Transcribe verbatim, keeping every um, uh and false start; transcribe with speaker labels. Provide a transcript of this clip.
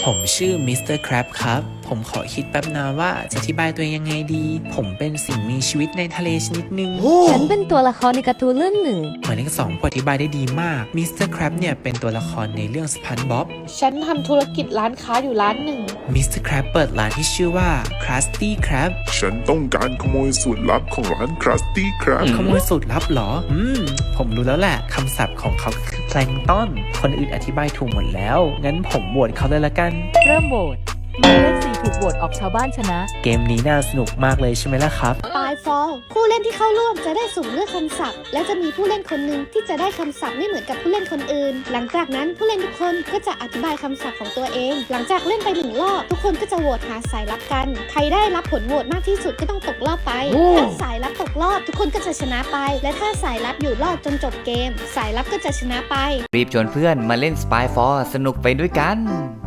Speaker 1: ผมชื่อมิสเตอร์ครับครับผมขอคิดแป๊บนะว่าจะอธิบายตัวเองยังไงดี ผมเป็นสิ่งมีชีวิตในทะเลชนิดหนึ่ง
Speaker 2: ฉันเป็นตัวละครในการ์ตูนเรื่องหนึ่ง
Speaker 1: หมายเลขสองพูดอธิบายได้ดีมากมิสเตอร์ครับเนี่ยเป็นตัวละครในเรื่องสปันบ๊อบ
Speaker 3: ฉันทำธุรกิจร้านค้าอยู่ร้านหนึ่ง
Speaker 1: มิสเตอร์ครับเปิดร้านที่ชื่อว่า Krusty Krab
Speaker 4: ฉันต้องการขโมยสูตรลับของร้านครัสตี้ครับ
Speaker 1: ขโมยสูตรลับเหรอ อืม ผมรู้แล้วแหละคำศัพท์ของเขาคือแพลงก์ต้นคนอื่นอธิบายถูกหมดแล้ว งั้นผมโหวตเขาเลยละกัน
Speaker 2: เริ่มโหวตหมายเลขสี่ถูกโหวตออกชาวบ้านชนะ
Speaker 1: เกมนี้น่าสนุกมากเลยใช่ไหมล่ะครับ
Speaker 5: ปลายฟอลผู้เล่นที่เข้าร่วมจะได้สุ่มเลือกคำศัพท์ และจะมีผู้เล่นคนหนึ่งที่จะได้คำศัพท์ไม่เหมือนกับผู้เล่นคนอื่น หลังจากนั้นผู้เล่นทุกคนก็จะอธิบายคำศัพท์ของตัวเอง หลังจากเล่นไปหนึ่งรอบทุกคนก็จะโหวตหาสายลับกัน ใครได้รับผลโหวตมากที่สุดก็ต้องตกรอบไปถ้าสายลับตกรอบทุกคนก็จะชนะไป และถ้าสายลับอยู่รอดจนจบเกม สายลับก็จะชนะไป
Speaker 6: รีบชวนเพื่อนมาเล่น Spy โฟร์ สนุกไปด้วยกัน